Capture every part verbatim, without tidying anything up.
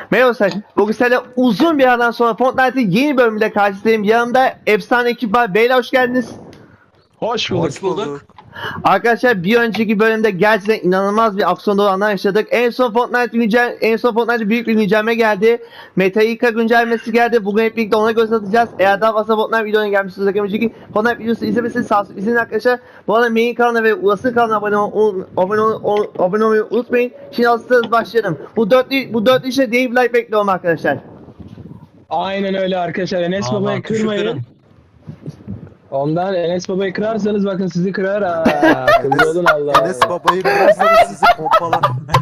Merhaba Sayın. Bugün seninle uzun bir aradan sonra Fortnite'ın yeni bölümünde karşınızdayım. Yanımda efsane ekip var. Beyler hoş geldiniz. Hoş bulduk. Hoş bulduk. Arkadaşlar bir önceki bölümde gerçekten inanılmaz bir aksiyon dolu anlar yaşadık. En son Fortnite güncel, en son Fortnite büyük bir güncelleme geldi. Metallica güncellemesi geldi. Bugün hep birlikte ona göz atacağız. Eğer daha fazla Fortnite videolarına gelmişsiniz. Önceki Fortnite videosu izlemesini sağ olsun. İzleyin arkadaşlar. Bu arada main kanalına ve Ulas'ın kanalına abone, ol, abone, ol, abone olmayı unutmayın. Şimdi hazırsanız başlayalım. Bu dörtlü, bu dörtlü işte Dave Like bekliyorum arkadaşlar. Aynen öyle arkadaşlar. Enes Aman, Baba'yı tuşu kırmayın. kırın. Ondan Enes Baba'yı kırarsanız bakın sizi kırar ha. Kızı olun Allah. Enes babayı kırarsanız sizi pompalar.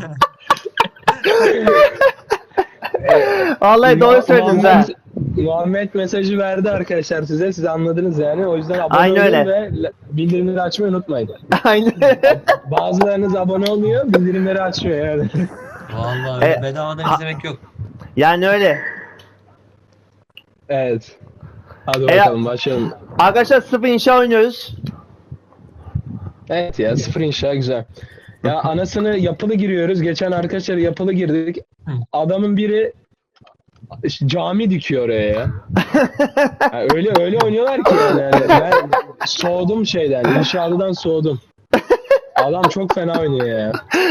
Vallahi doğru söylediniz ha. Muhammed mesajı verdi arkadaşlar size. Siz anladınız yani. O yüzden abone Aynen olun öyle. ve bildirimleri açmayı unutmayın. Aynen. Bazılarınız abone olmuyor, bildirimleri açmıyor yani. Vallahi E, bedavadan ha- izlemek yok. Yani öyle. Evet. Hadi E, bakalım başlayalım. Arkadaşlar sıfır inşa oynuyoruz. Evet ya sıfır inşa güzel. Ya anasını yapılı giriyoruz. Geçen arkadaşlar yapılı girdik. Adamın biri cami dikiyor oraya ya. Ya öyle öyle oynuyorlar ki yani. Yani ben soğudum şeyden. İnşaatından soğudum. Adam çok fena oynuyor ya.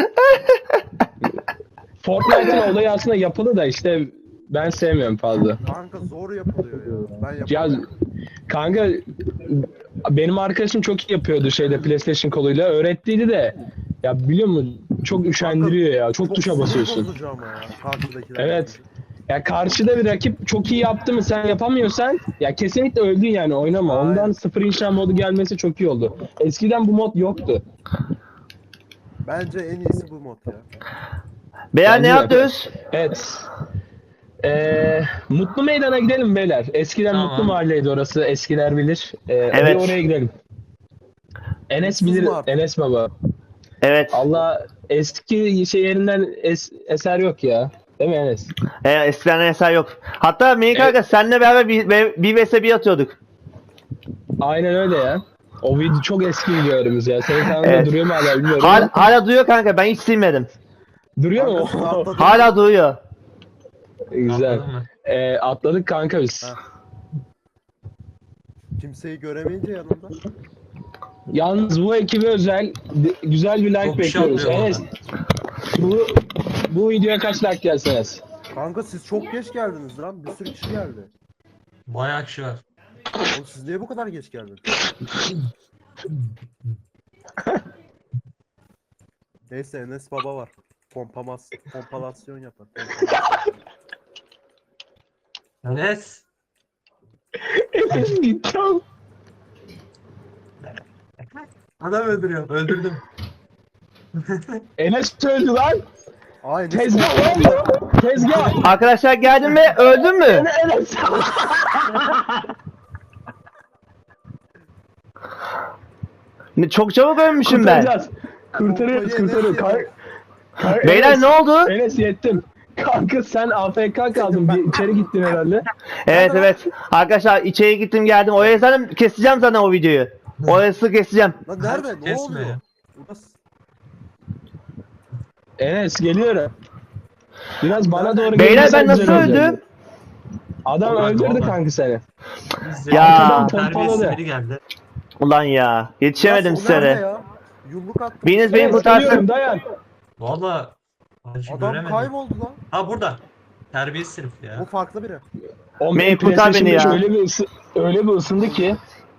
Fortnite'ın olayı aslında yapılı da işte ben sevmiyorum fazla. Kanka zor yapılıyor ya. Ben Ya yapamıyorum. kanka benim arkadaşım çok iyi yapıyordu şeyde PlayStation koluyla. Öğrettiydi de ya biliyor musun çok üşendiriyor ya. Çok tuşa sinir basıyorsun. bozucu ama ya karşıdakiler. Evet. Ya karşıda bir rakip çok iyi yaptı mı sen yapamıyorsan ya kesinlikle öldün yani oynama. Aynen. Ondan sıfır inşa modu gelmesi çok iyi oldu. Eskiden bu mod yoktu. Bence en iyisi bu mod ya. Beyler ne Bence de. yapıyoruz? Evet. Ee, Mutlu Meydan'a gidelim beyler. Eskiden Tamam. Mutlu Mahalle'ydi orası. Eskiler bilir. Ee, Evet. oraya, oraya gidelim. Enes Mutsuz bilir. mu artık? Enes baba. Evet. Allah eski şey yerinden es- eser yok ya. Değil mi Enes? E, eskiden eser yok. Hatta Melih Evet. kanka seninle beraber bir, bir, bir vs bir atıyorduk. Aynen öyle ya. O video çok eski videolarımız ya. Senin kanalında Evet. duruyor mu hala bilmiyorum. Hala, hala duruyor kanka, ben hiç silmedim. Duruyor mu? Kanka, atladım. Hala duruyor. Güzel. Anladın mı? Ee, atladık kanka biz. Ha. Kimseyi göremeyince yanımda. Yalnız bu ekibe özel d- güzel bir like Çok bir şey bekliyoruz. yapmıyor Enes, bu bu videoya kaç like gelsin Enes? Kanka siz çok geç geldiniz lan. Bir sürü kişi geldi. Bayağı kişi var. Oğlum siz niye bu kadar geç geldiniz? Neyse Enes baba var. Pompamas, pompalasyon yapar. Enes. Enes gitti oğlum. Adam öldürüyor. Öldürdüm. Enes öldü lan. Aa Enes Tezgah lan bu. Tezgah. Arkadaşlar geldin mi? Öldün mü? Enes. Ne- Çok çabuk ölmüşüm ben. Kurtaracağız. Kurtarıyoruz Pompayı kurtarıyoruz. Enes Kar- kar- Beyler Enes- ne oldu? Enes yettim. Kanka sen A F K kaldın. Bir içeri gittin herhalde. Evet evet. Arkadaşlar içeri gittim geldim. Oraya zaten keseceğim zaten o videoyu. Orası keseceğim. Lan nerede? Ne Kesme oluyor? ya. Burası. Enes geliyorum. Biraz bana doğru Beyler gelirsen ben nasıl güzel olacak. öldüm? Adam Ulan, öldürdü ulan. kanka seni. Ya. Arkadan Terbiyesiz pompaladı. biri geldi. Ulan ya. Yetişemedim Burası, o nerede size. ya? Yumruk attım. Biriniz beni Enes kurtarsın. geliyorum dayan. Valla. Acı Adam göremedim. kayboldu lan. Ha burada. Terbiyesiz herif Bu ya. farklı biri. O Beni kurtar beni ya. Öyle bir, ısı, öyle bir ısındı ki.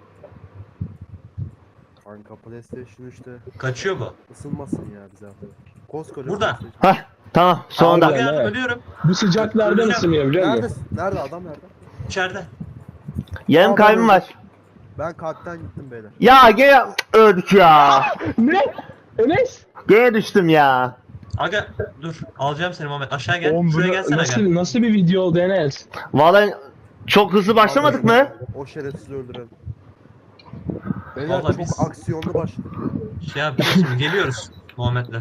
Kanka PlayStation üçte Kaçıyor bu. ısınmasın ya bize. Koskoca Burada. PlayStation. Hah tamam sonunda. Abi. Gel evet. ölüyorum. Bu sıcaklardan Öleceğim. ısınıyor biliyor musun? Neredesin? Nerede adam nerede? İçeride. Yarım Aa, kalbim ben var. Ben kalpten gittim beyler. Ya gene öldük ya. Ne? Enes? Gene düştüm ya. Aga dur. Alacağım seni Muhammed. Aşağı gel. Oğlum, Şuraya bu gelsene nasıl, gel. nasıl bir video oldu Enes? Vallahi çok hızlı başlamadık mı? O şerefsizi öldürelim. Beyler Vallahi çok biz- aksiyonlu başladık. Şey yapıyoruz şimdi. Geliyoruz. Muhammed'le.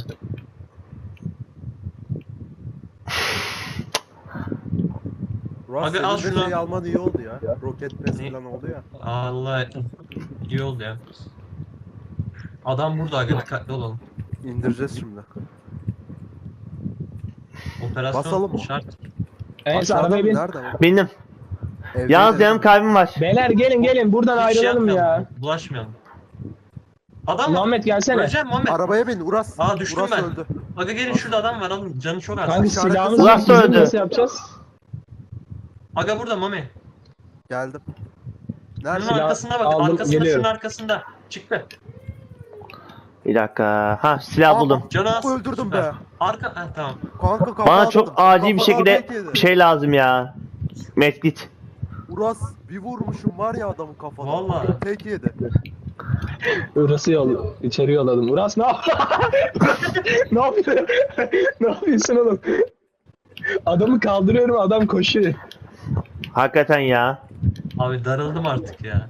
Russ Abi, al senin de şunu. şey alman iyi oldu ya. Roket press Ne? falan oldu ya. Allah iyi oldu ya. Adam burada aga dikkatli olalım. İndireceğiz şimdi. Operasyon Basalım mı? şart. Enes Aşağıda arabaya mı? bin. Nerede o? Benim. Evde Yalnız de- yarım kalbim var. Beyler gelin gelin buradan Hiç şey ayrılalım yapmayalım. ya. Bulaşmayalım. Adam mı? Muhammed gelsene. Öleceğim Muhammed. Arabaya bin Uras. Aa, düştüm Uras ben. öldü. Aga gelin şurada adam var alın. Canı çok az. Kanka İşaret silahımız kızı. yok. Uras Bizim öldü. nasıl yapacağız? Aga burada Mami. Geldim. Şunun Nerede? Silah arkasında bak. aldım, Arkasında geliyorum. şunun arkasında. Çıktı. Bir dakika. Ha silah Aa, buldum. Canı az. Öldürdüm Süper. be. Arka. Ha, tamam. Kanka kafa Bana atladım. çok acil bir Kafadan şekilde tek yedi. bir şey lazım ya. Medkit. Uras bir vurmuşum var ya adamın kafadan. Vallahi. Tek yedi. Uras'ı yol, içeri yolladım. Uras ne yap? ne yapıyorsun? ne yapıyorsun oğlum? Adamı kaldırıyorum adam koşuyor. Hakikaten ya. Abi darıldım artık ya.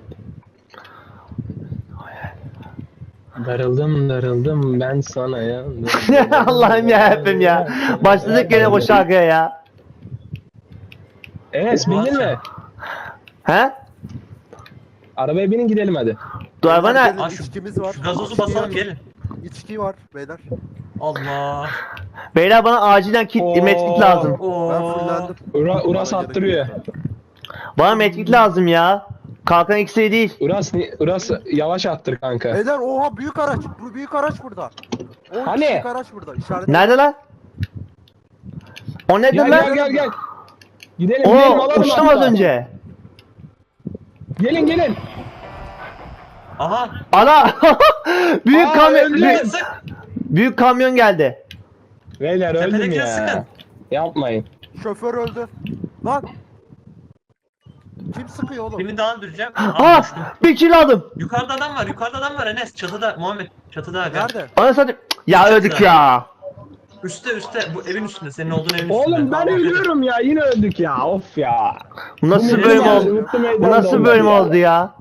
Darıldım darıldım ben sana ya. Allah'ım ya hepim ya. Başladık gene bu şarkıya ya. Enes bindin mi? He? Arabaya binin gidelim hadi. Dur araba Beyler, ne? gelin, Aa, şu- İçkimiz var. Şu gazozu İçki basalım var. gelin. İçki var beyler. Allah. Beyler bana acilen kit, Oo. medkit lazım. Ben Oo. fullendim. Ura, Uras Bana attırıyor. gerek yok. Bana medkit lazım ya. Kalkan iksiri değil. Uras, Uras yavaş attır kanka. Beyler oha büyük araç. Bu büyük araç burada. O Hani? büyük araç burada. İşaret. Nerede lan? O nedir Gel lan? gel gel gel. Gidelim gidelim Oo alalım uçtum hatta. az önce. Gelin gelin. Aha. Ana! büyük Aa, kamyon öldü. büyük, Sık. büyük kamyon geldi. Beyler öldüm Tepedekine ya. sıkın. Yapmayın. Şoför öldü. Lan. Kim sıkıyor oğlum? Birini daha öldüreceğim. Aa, Ha! düştüm. Bir kill aldım. Yukarıda adam var. Yukarıda adam var Enes. Çatıda Muhammed. Çatıda aga. Nerede? Ana satayım. Ya öldük ya. Üste üste. Bu evin üstünde. Senin olduğun evin üstünde. Oğlum ben ölüyorum ya yine öldük ya of ya. Bu nasıl Bu bölüm meydan- oldu? mutlu meydan Bu nasıl oldu bölüm ya. oldu ya?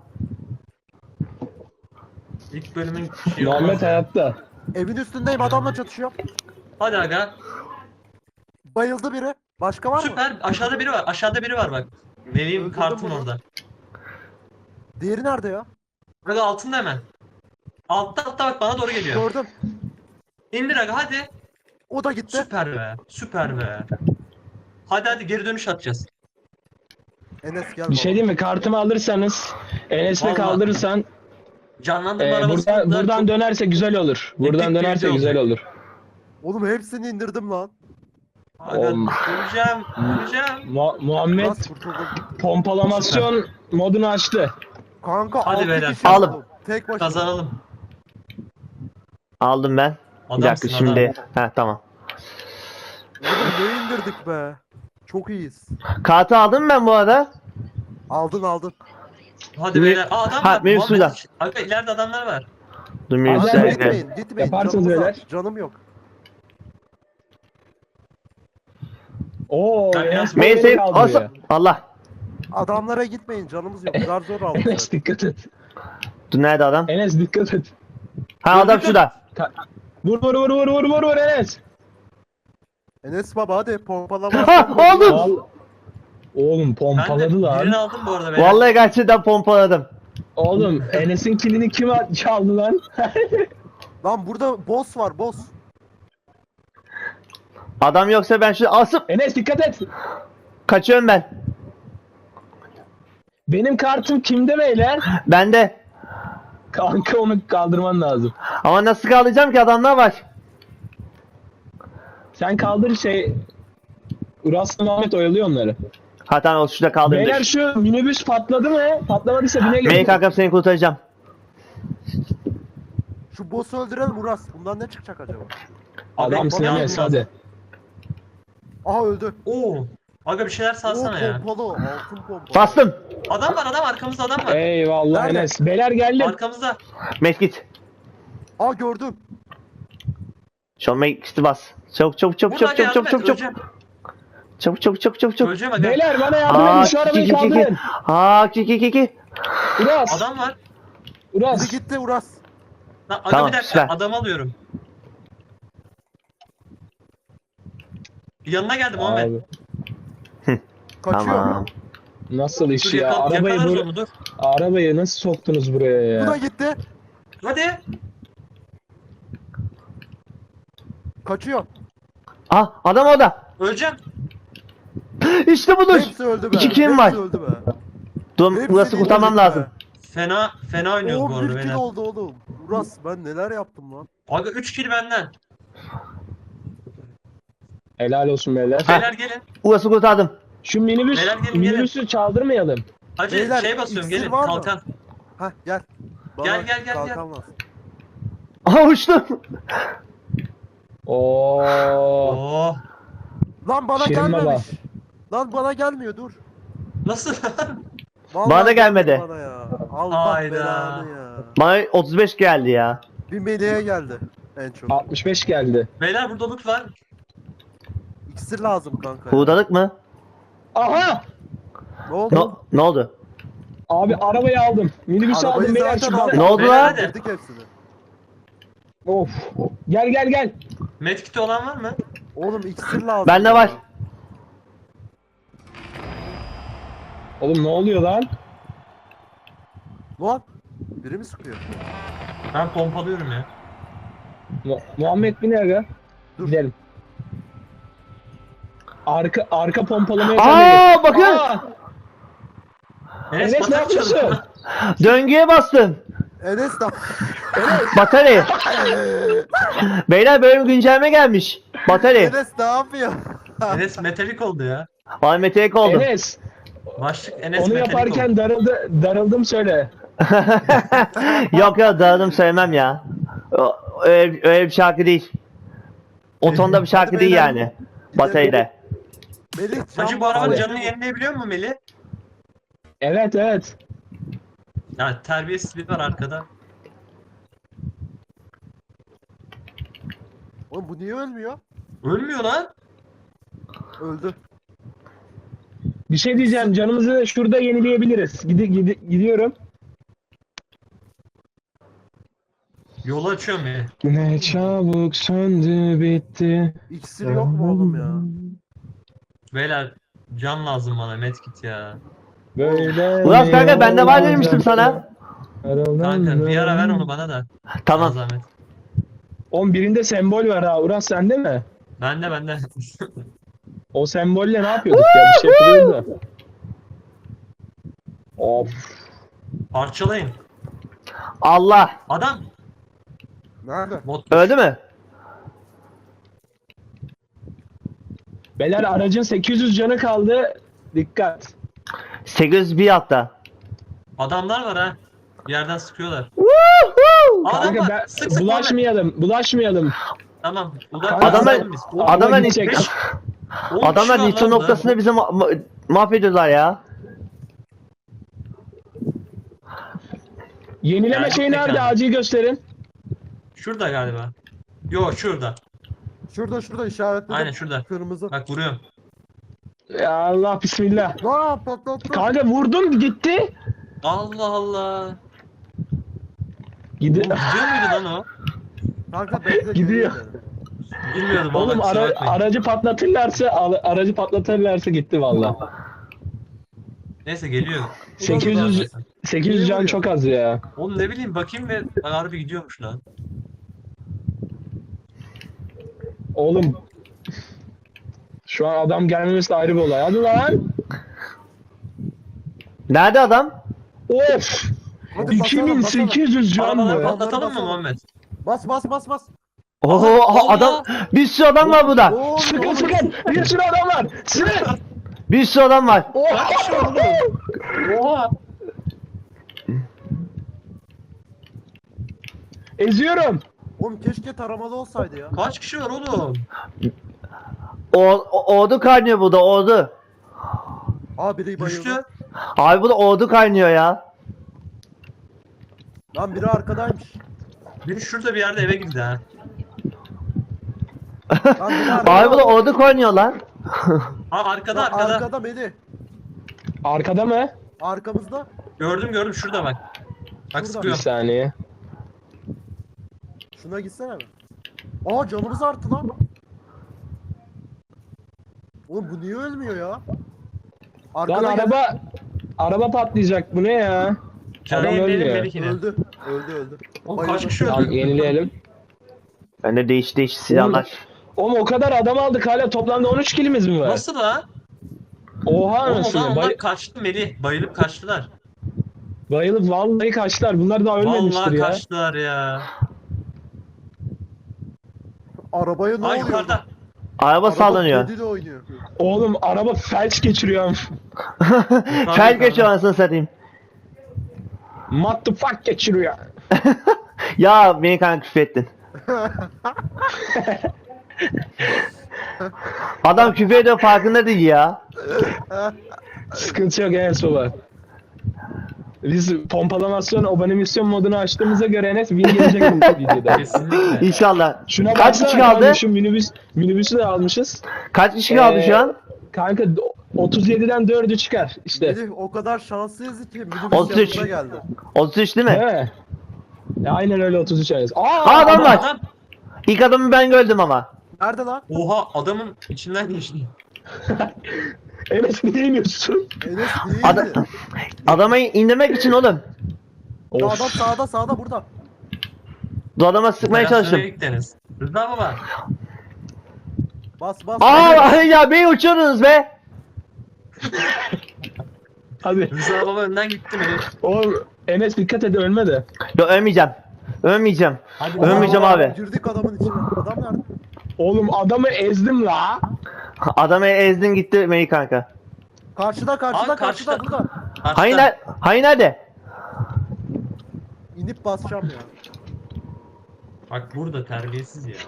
İlk bölümün şeyi Muhammed olmaz ya. hayatta. Evin üstündeyim adamla çatışıyor. Hadi aga. Bayıldı biri. Başka var mı? Süper. Aşağıda biri var. Aşağıda biri var bak. Vereyim Öldürdüm kartın bunu. orada. Diğeri nerede ya? Aga altında hemen. Altta altta bak bana doğru geliyor. Gördüm. İndir aga hadi. O da gitti. Süper be. Süper be. Hadi hadi geri dönüş atacağız. Enes gel. Bir şey baba. diyeyim mi? Kartımı alırsanız Enes'le Vallahi. kaldırırsan Canlandırma e, arabasında buradan, buradan çok dönerse güzel olur. Buradan Epik bir dönerse video güzel olacak. olur. Oğlum hepsini indirdim lan. Aga Oğlum. öleceğim. Öleceğim. Mu- Muhammed Nasıl kurtuldum? pompalamasyon modunu açtı. Kanka Hadi altı beyler. kişi Alım. oldum. Tek başına. Kazanalım. Aldım ben. Bir dakika Adamsın şimdi. adam. Ha tamam. Oğlum ne indirdik be. Çok iyiyiz. Kartı aldım mı ben bu arada. Aldın aldın. Hadi Mi- beyler. Aa adam Ha, var. benim Muhammed. suda. Aga ileride adamlar var. Dur Hadi, bir hadi, saniye. Gitmeyin gitmeyin. Yaparsınız Canımız beyler. var. Canım yok. Oo, Ben Enes biraz- böyle Neyse kaldırıyor. olsa Allah. Adamlara gitmeyin canımız yok. Zar zor aldık. Enes dikkat et. Dur nerede adam? Enes dikkat et. Ha adam şurada. Ka- Vur vur vur vur vur vur vur Enes. Enes baba hadi pompalama. Ha oldum. Val- Oğlum Ben de pompaladı birini lan. aldım bu arada beyler. Vallahi gerçekten pompaladım. Oğlum Enes'in kilini kim a- çaldı lan? Lan burada boss var boss. Adam yoksa ben şu asıp Enes dikkat et. kaçıyorum ben. Benim kartım kimde beyler? Bende. Kanka onu kaldırman lazım. Ama nasıl kaldıracağım ki adamlar var. Sen kaldır şey... Uras'la Muhammed oyalıyor onları. Ha tamam o şurada kaldırdım. Beyler şu minibüs patladı mı? Patlamadıysa binelim. Bey kankam seni kurtaracağım. Şu boss'u öldürelim Uras. Bundan ne çıkacak acaba? Adamsın Bana Enes lazım. hadi. Aha öldü. Oo. Aga bir şeyler Oo salsana ya. pompalı. Altın pompalı. Bastım. Adam var adam arkamızda adam var. Eyvallah Nerede? Enes. Beyler geldim. Arkamızda. Medkit. Aa gördüm. Şu an medkit'i bas. Çabuk çabuk çabuk Burada çabuk aga çabuk yardım çabuk et. çabuk. Öleceğim. Çabuk çabuk çabuk çabuk çabuk. Öleceğim aga. Beyler bana yardım Aa edin şu ki arabayı ki ki ki. kaldırın. Aa ki ki ki ki. Uras. Adam var. Biri Uras. gitti Uras. Lan aga Tamam, bir dakika süper. adam alıyorum. Yanına geldim Muhammed. Abi, Kaçıyor. Tamam. nasıl Dur iş ya? yakal, Arabayı, yakalarız bur- onu dur. arabayı nasıl soktunuz buraya Bu da ya? gitti. Hadi. Kaçıyor. Ah adam orada. Öleceğim. İşte budur. Hepsi öldü be. İki kim Hepsi var? öldü be. Dur Hepsi burası değil, kurtarmam öldü be. lazım. Fena fena oynuyoruz bu on arada bir kill beyler. oldu oğlum. Uras ben neler yaptım lan. Aga üç kill benden. Helal olsun beyler. Beyler gelin. Burası kurtardım. Şu minibüs, Beyler gelin, minibüsü çaldırmayalım. Hacı Beyler, şey basıyorum iksir gelin. var mı? Kalkan. Hah gel. Bana Gel, gel, gel, kalkan gel. lazım. Aha uçtum. Oo. Oh. Lan bana Şirin gelmemiş. baba. Lan bana gelmiyor dur. Nasıl? Vallahi Bana da gelmedi. Bana ya. Allah Hayda. belanı ya. Bana otuz beş geldi ya. Bir meleğe geldi en çok. altmış beş geldi. Beyler burada loot var. İksir lazım kanka. ya. Hurdalık mı? Aha! Ne oldu? Ne, ne oldu? Abi arabayı aldım. Minibüsü Arabayı aldım beyler. zaten Şu aldık. Ne oldu Beyler lan? hadi. Verdik hepsini. Of. Gel gel gel. Medkit'i olan var mı? Oğlum iksir lazım. Bende ya. var. Oğlum ne oluyor lan? Lan biri mi sıkıyor? Ben pompalıyorum ya. Mu- Muhammed bin aga. Dur. Gidelim. Arka arka pompalamaya sen Aa bakın. Aa! Enes, Enes ne batak yapıyorsun? çalıyor. Döngüye bastım. Enes de Batarya. Beyler böyle bir güncelleme gelmiş. Batarya. Enes ne yapıyor? Enes metalik oldu ya. Bana metelik oldum. Enes, Başlık Enes onu metalik yaparken oldu. darıldı, darıldım söyle. Yok ya dağıldım söylemem ya. O- Öyle, öyle bir şarkı değil. O tonda bir şarkı Hadi değil beyler. yani. Batarya'da. Melih Hacı can bu arabanın Hadi. canını yenileyebiliyor mu Melih? Evet evet. Ya terbiyesizlik var arkada. Oğlum bu niye ölmüyor? Ölmüyor lan. Öldü. Bir şey diyeceğim, canımızı şurada yenileyebiliriz. Gidi, gidi, gidiyorum. Yolu açıyorum ya. Ne çabuk söndü bitti. İksir yok mu oğlum ya? Beyler can lazım bana medkit ya. Böyle Ulan kanka bende var demiştim sana. Kanka bir ara ver onu bana da. Tamam. Sana zahmet. On birinde sembol var ha. Uras sende mi? Bende bende. O sembolle ne yapıyorduk ya? Bir şey yapıyorduk da. Of. Parçalayın. Allah. Adam. Nerede? Bot. Öldü mü? Beyler aracın sekiz yüz canı kaldı. Dikkat. sekiz yüz bir hatta. Adamlar var ha. Bir yerden sıkıyorlar. Woohoo! Adam Kanka var. ben, Sık sık Muhammed. bulaşmayalım. Bulaşmayalım. Tamam. Adamlar- Adamlar. Adamlar gidecek. nitro, adamlar nitro noktasını bizi ma- ma- mahvediyorlar ya. Yenileme Yani şeyi nerede? mekan. Acil gösterin. Şurada galiba. Yo şurada. Şurada şurada işaretledim. Aynen şurada. Kırmızı. Bak vuruyorum. Ya Allah bismillah. Lan patlattı. Kanka vurdum gitti. Allah Allah. Gidi Oğlum gidiyor muydu lan o? Kanka bekle. Gidiyor. geliyor dedim. Bilmiyordum valla. Oğlum kusura ara- bakmayın. aracı patlatırlarsa al- aracı patlatırlarsa gitti valla. Neyse geliyor. sekiz yüz sekiz yüz can çok az ya. Oğlum ne bileyim bakayım ve harbi gidiyormuş lan. Oğlum şu an adam gelmemesi de ayrı bir olay. Hadi lan. Nerede adam? Of. Hadi iki bin sekiz yüz can Arabaları mı? patlatalım mı basalım. Muhammed? Bas bas bas bas. Oho aha, Allah! adam bir sürü adam var burada. Oo, Sıkın sıkın. Bir sürü adam var. Sıkın. Bir sürü adam var. Oha! Eziyorum. Oğlum keşke taramalı olsaydı ya. Kaç kişi var oğlum? O, o- ordu kaynıyor burada ordu. Aa biri bayıldı. Düştü. Abi burada ordu kaynıyor ya. Lan biri arkadaymış. Biri şurada bir yerde eve girdi ha. Lan biri arkada. Abi burada ordu kaynıyor lan. Ha arkada Lan arkada. arkada Melih. Arkada mı? Arkamızda. Gördüm gördüm şurada bak. Bak Şurada. Bir sıkıyorum. saniye. Şuna gitsene mi? Aa canımız arttı lan. Oğlum bu niye ölmüyor ya? Lan Arkada gel- araba araba patlayacak. Bu ne ya? Canı Adam yenileyelim ölmüyor. Melih'ine. öldü. Öldü öldü. Oğlum Bayıldı. kaç kişi Tamam öldü? yenileyelim. Bende değiş değiş silahlar. Oğlum o kadar adam aldık hala toplamda on üç kilimiz mi var? Nasıl lan? Oha Oğlum o anasını. zaman onlar Bay- kaçtı Melih. Bayılıp kaçtılar. bayılıp vallahi kaçtılar. Bunlar daha ölmemiştir Vallahi ya. kaçtılar ya. Arabaya ne Ay oluyor? yukarıda. Araba sallanıyor. kediyle oynuyor. Oğlum araba felç geçiriyor. Fel geçiyor anasını satayım. What the fuck geçiriyor. Ya beni kanka küfrettin. Adam küfür ediyor farkında değil ya. Sıkıntı yok Enes baba. Biz pompalamasyon obanisyon modunu açtığımıza göre Enes win gelecek bu videoda. Kesinlikle. İnşallah. Şuna Kaç baksana kişi kaldı? kanka, şu minibüs, minibüsü de almışız. Kaç kişi kaldı Ee, şu an? Kanka otuz yediden dördü çıkar işte. Melih o kadar şanslıyız ki minibüs otuz üç. yanımıza geldi. otuz üç değil mi? Değil mi? Ya aynen öyle otuz üç Enes. Aa, Aa, adam var. Adam. İlk adamı ben gördüm ama. Nerede lan? Oha adamın içinden geçti. Enes niye iniyorsun? Enes değildi. Adam, adamı indirmek için oğlum. Ya Of. adam sağda sağda burada. Bu adama sıkmaya çalıştım. Gittiniz. Rıza baba. Bas bas. Aa ya beni uçurdunuz be. Hadi. Rıza baba önden gitti Melih. Oğlum Enes dikkat et ölme de. Yok ölmeyeceğim. Ölmeyeceğim. Hadi Ölmeyeceğim Rıza abi. Girdik adamın içine. Adam nerede? Oğlum adamı ezdim la. Adamı ezdin gitti Melih kanka. Karşıda karşıda Aa, karşıda, karşıda. burada. Karşıda. Hayır ner- hayır nerede? İnip basacağım ya. Bak burada terbiyesiz ya.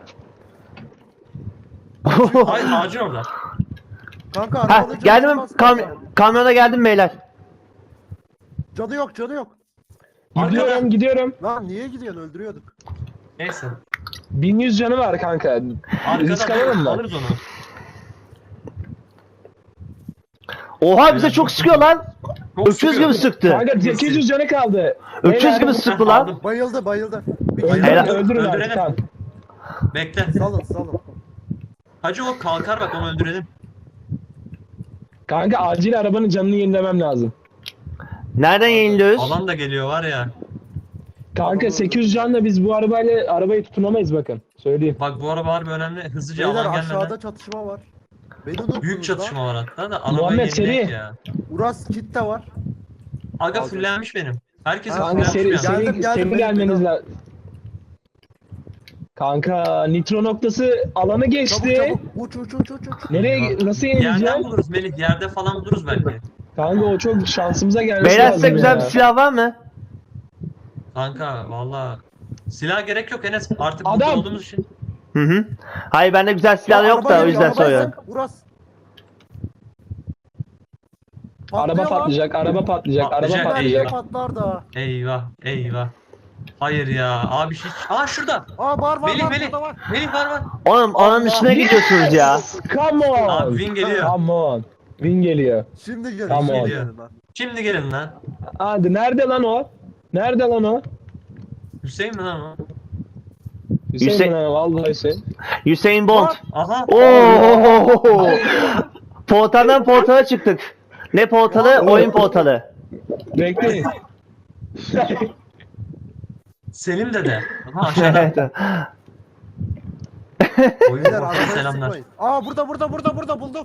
Ay ağacın orada. Kanka Ha arabada canı geldim olmaz kam kanka. kamyona geldim beyler. Canı yok canı yok. Gidiyorum gidiyorum. Lan niye gidiyorsun öldürüyorduk. Neyse. bin yüz canı var kanka. Risk alalım Arkada mı? alırız onu. Oha bize çok sıkıyor lan. Çok Öküz sıkıyor. gibi sıktı. Kanka sekiz yüz canı kaldı. Öküz Beyler, gibi sıktı lan. Aldım. Bayıldı bayıldı. Bir Öldürün, Helal. öldürün artık Öldürelim. tamam. Bekle. Salın salın. Hacı o kalkar bak onu öldürelim. Kanka acil arabanın canını yenilemem lazım. Nereden yayınlıyoruz? Alan da geliyor var ya. Kanka sekiz yüz canla biz bu arabayla arabayı tutunamayız bakın. Söyleyeyim. Bak bu araba harbi önemli. Hızlıca Beyler alan gelmeden. aşağıda çatışma var. Beni unuttunuz Büyük lan. çatışma var hatta da arabayı Muhammed, yenileyek seri. ya. Uras kit de var. Aga Aldım. fullenmiş benim. Herkes Ha, Kanka fullenmiş seri, bir an. seri, Geldim, geldim, seri benim, gelmeniz benim. lazım. Kanka nitro noktası alanı Çabuk geçti. çabuk. Uç uç uç uç uç. Nereye nasıl Yerden yenileceğim? buluruz Melih. Yerde falan buluruz belki. Kanka o çok şansımıza gelmesi Beyler lazım size güzel ya. bir silah var mı? Kanka valla. Silah gerek yok Enes. Artık Adam. burada olduğumuz için. Hı hı. Hayır bende güzel silah Ya, yok araba da o geliyor, yüzden arabaya soruyorum. sak, Uras. Araba Patlıyor lan. patlayacak, araba patlayacak, araba Patlayacak, Her patlayacak. yer patlar da. Eyvah eyvah. Hayır ya. Abi hiç. Aa şurada. Aa var var Melih var Melih. burada var. Melih var var. Oğlum onun dışına gidiyorsunuz ya. Come on. Abi win geliyor. Come on. Win geliyor. Şimdi gelin. Tamam. Şimdi gelin lan. Şimdi gelin lan. Hadi nerede lan o? Nerede lan o? Hüseyin mi lan o? Hüseyin, Hüseyin- mi lan o? Vallahi Hüseyin. Usain Bolt. Aha. Oo! Portaldan portala çıktık. Ne portalı? Oyun portalı. Bekleyin. Selim dede. Aha aşağıda. Oyun Beyler ortamı arabaya selamlar. sıkmayın. Aa burada burada burada burada buldum.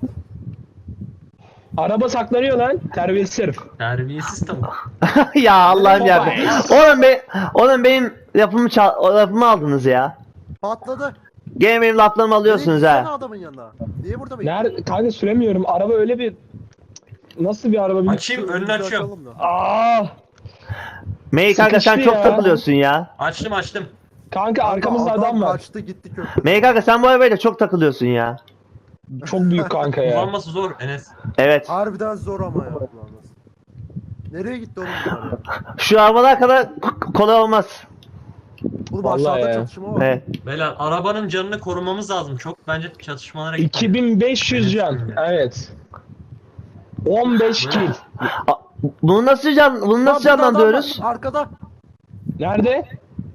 Araba saklanıyor lan. Terbiyesiz herif. Terbiyesiz tavuk. Ya Allah'ım Baba. ya. Oğlum be, oğlum benim lafımı çal, o lafımı aldınız ya. Patladı. Gene benim laflarımı alıyorsunuz Nereye gitsene ha. adamın yanına. Niye burada bekliyorsun? Nerede? Kanka süremiyorum. Araba öyle bir... Nasıl bir araba? Bir... Açayım önünü açıyorum. Açalım da. Aa! Mey kanka sen Sıkıştı çok ya. takılıyorsun ya. Açtım açtım. Kanka arkamızda adam var. Kaçtı gitti köprü. Mey kanka sen bu arabayla çok takılıyorsun ya. Çok büyük kanka ya. Kullanması zor Enes. Evet. Harbiden zor ama ya. kullanması. Nereye gitti oğlum bunlar ya? Şu arabalar kadar k- kolay olmaz. Oğlum Vallahi aşağıda ya. çatışma var. Evet. Beyler arabanın canını korumamız lazım. Çok bence çatışmalara gitmeyin. iki bin beş yüz can. Evet. on beş kill. A- Bunu nasıl can, bunu Lan nasıl burada adam canlandırıyoruz? var, Arkada. Nerede?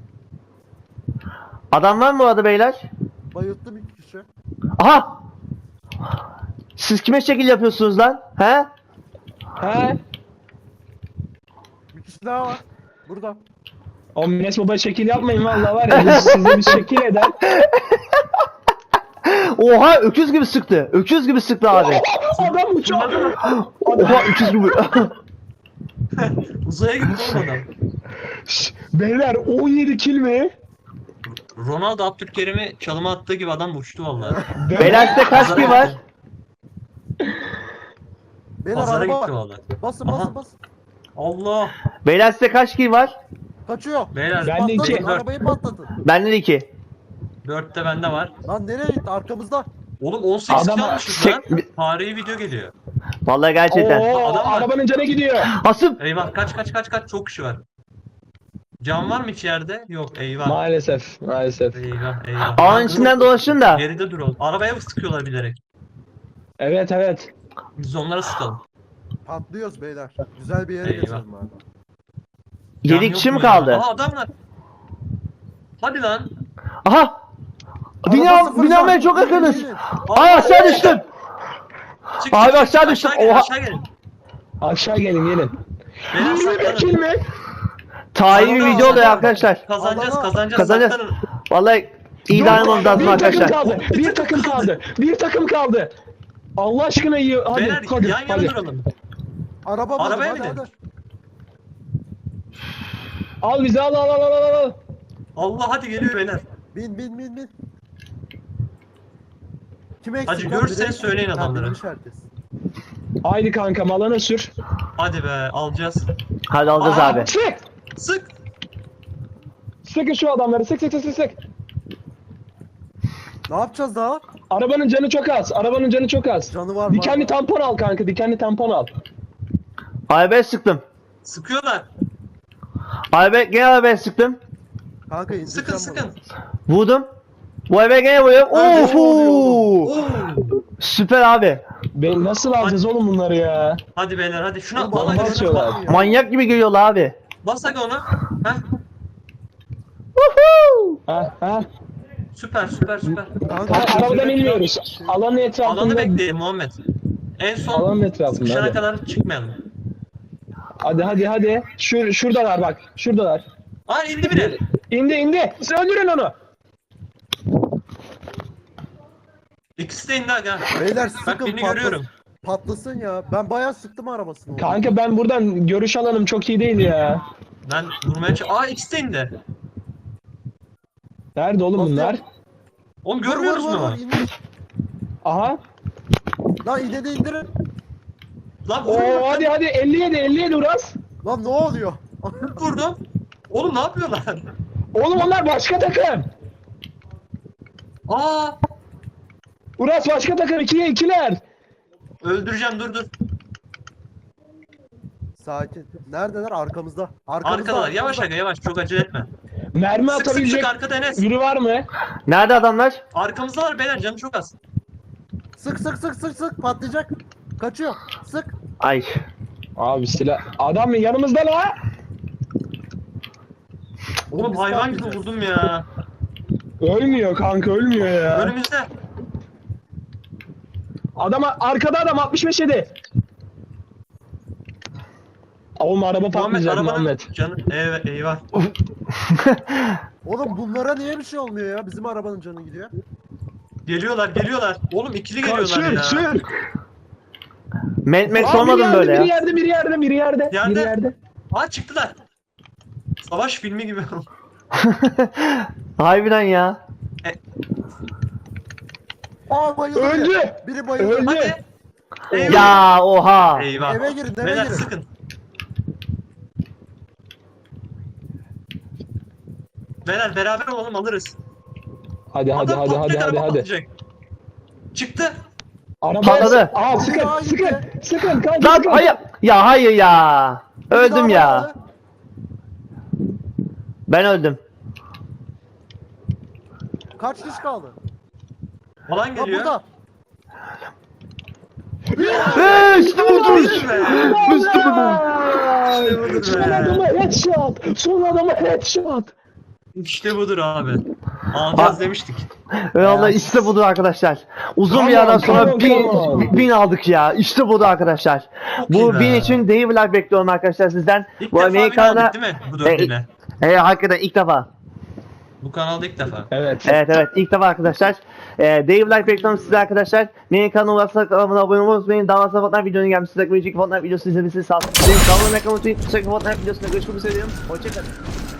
Adam var mı orada beyler? Bayılttım iki kişi. Aha! Siz kime şekil yapıyorsunuz lan? He? He? Bir kişi daha var. Burada. O Mines Baba şekil yapmayın vallahi var ya biz size bir şekil eder. Oha öküz gibi sıktı. Öküz gibi sıktı abi. Adam uçuyor. Oha öküz gibi. Uzaya gitti oğlum adam. Şşş, Beyler on yedi kill mi? Ronaldo Abdülkerim'i çalıma attığı gibi adam uçtu vallahi. Beyler size kaç kill var? Beyler Pazara araba gitti var. vallahi. Basın Aha. basın basın. Allah. Beyler size kaç kill var? Kaçıyor. Beyler Ben de iki. Patlatın arabayı patlatın. Bende de iki. dörtte bende var. Lan nereye gitti arkamızda? Oğlum on sekiz Adam- kalmışız lan. Çek- Tarihi video geliyor. Vallahi gerçekten. Oo, Adam var. arabanın canı gidiyor. Asım. Eyvah kaç kaç kaç kaç çok kişi var. Can var mı içeride? Yok eyvah. Maalesef, maalesef. Eyvah eyvah. Ağın içinden dolaşın da. Geride dur oğlum. Arabaya mı sıkıyorlar bilerek? Evet, evet. Biz onlara sıkalım. Patlıyoruz beyler. Güzel bir yere Eyvah. geçelim abi. Can Yedi yok kişi mi mu ya? kaldı? Aa adamlar. Hadi lan. Aha. Araba Bina, sıfır binamaya can. çok yakınız. Gelin, gelin. Ay aşağı düştüm. Çık, Abi çık, çık. aşağı düştüm. gelin, Oha. aşağı gelin. Aşağı gelin, gelin. Beyler yirmi bir kill saklanın. mi? Tarihi bir Alana, video oluyor alana. arkadaşlar. Kazanacağız Alana. kazanacağız. Kazanacağız. Saklanın. Vallahi iyi davranmamız lazım Bir takım arkadaşlar. kaldı, bir takım kaldı, bir takım kaldı. Allah aşkına iyi. Hadi, Beyler hadi, yan yana hadi. duralım. Araba buldum Arabaya hadi binin. hadi. Al bizi, al, al, al, al, al, al. Allah hadi geliyor beyler. Bin bin bin bin. Kim eksik? Hacı lan? görürseniz Biri- söyleyin Ha, adamlara. binmiş herkes. Haydi kankam, alana sür. Hadi be alacağız. Hadi alacağız Aa, abi. Sık! Sık. Sıkın şu adamları, sık sık sık sık sık. Ne yapacağız daha? Arabanın canı çok az, arabanın canı çok az. Canı var mı? Dikenli tampon al kanka, dikenli tampon al. Arabaya sıktım. Sıkıyorlar. Arabaya gene arabaya sıktım. Kanka indireceğim Sıkın bunu. sıkın. Vurdum. Bu arabaya gene vuruyorum. Öldü. Of. Oo. Süper abi. Ben nasıl alacağız oğlum bunları ya? Hadi beyler hadi şuna Oğlum, bana bomba göre atıyorlar. bas. Manyak gibi geliyorlar abi. Bas hadi ona. Heh. Woohoo! Ha ha. Süper süper süper. Kanka, Ha, arabadan şöyle- inmiyoruz. Alanın etrafında. Alanı bekleyelim Muhammed. En son Alanın etrafında. sıkışana Hadi. kadar çıkmayalım. hadi hadi hadi. Şur şuradalar bak. Şuradalar. Aa indi bile. İndi indi. Siz öldürün onu. İkisi de indi aga. Beyler Bak sıkın birini patlasın. görüyorum. Patlasın ya. Ben bayağı sıktım arabasını. Kanka ben buradan görüş alanım çok iyi değil ya. Ben vurmaya ç- Aa ikisi de indi. Nerede oğlum bunlar? Oğlum görmüyoruz Vur, vur, mu? vur, indir. Aha. Lan ine de indirin. Lan vurdum. Oo hadi hadi elli yedi elli yedi Uras. Lan ne oluyor? Vurdum. Oğlum ne yapıyorlar? Oğlum onlar başka takım. Aa Uras başka takım ikiye ikiler. öldüreceğim dur dur. Sakin. Neredeler? Arkamızda. Arkamızda. Arkadalar yavaş arkamızda. aga yavaş çok acele etme. Mermi Sık sık atabilecek sık arkada Enes. biri var mı? Nerede adamlar? Arkamızda var beyler canı çok az. Sık sık sık sık sık patlayacak. Kaçıyor. Sık. Ay. Abi silah. Adam mı yanımızda la? Oğlum biz hayvan gibi patlayacağız. vurdum ya. Ölmüyor kanka ölmüyor ya. Önümüzde. Adama arkada adam altmış beş yedi. Oğlum araba Muhammed patlayacak arabanın Muhammed. canı. Evet eyvah. Oğlum bunlara niye bir şey olmuyor ya? Bizim arabanın canı gidiyor. Geliyorlar geliyorlar. Oğlum ikili geliyorlar Sür ya. sür. Met met Aa, sormadım biri böyle yerde, ya. Biri yerde biri yerde biri yerde. Yerde. Biri yerde. Aa çıktılar. Savaş filmi gibi. Harbiden ya. Aa bayıldı. Öldü. biri. Biri bayıldı. Öldü. Hadi. Eyvah. Ya oha. Eyvah. Eve girin, eve Beyler girin. sıkın. Beyler beraber olalım alırız. Hadi hadi Adam hadi hadi patlayacak, hadi araba hadi. patlayacak. Çıktı. Araba Patladı. Aa sıkın Aa, sıkın gitti. sıkın kanka Lan sıkın. hayır. Ya hayır ya. Biri Öldüm daha ya. bayıldı. Ben öldüm. Kaç kişi kaldı? Falan Lan geliyor. burada. Eee işte budur. Hadi be. İşte budur. İşte budur Son be. adama headshot. Son adama headshot. İşte budur abi. Alacağız demiştik. Valla işte budur arkadaşlar. Uzun Come bir aradan on, sonra come on, bin, come on. bin aldık ya. İşte budur arkadaşlar. Çok iyi Bu be. bin için dev vlog bekliyorum arkadaşlar sizden. İlk Bu defa bin Amerikan'a aldık değil mi bu dördüne? He hakikaten ilk defa. Bu kanalda ilk defa. Evet. Evet evet ilk defa arkadaşlar. Ee, Dave Life reklamı size arkadaşlar. Benim kanalıma ulaşsak kanalına abone olmayı unutmayın. Daha fazla Fortnite videonun gelmesi size Fortnite videosu izlemesi sağ olun. Benim kanalımı ekranı unutmayın. Fortnite videosunda görüşmek üzere diyorum. Hoşçakalın.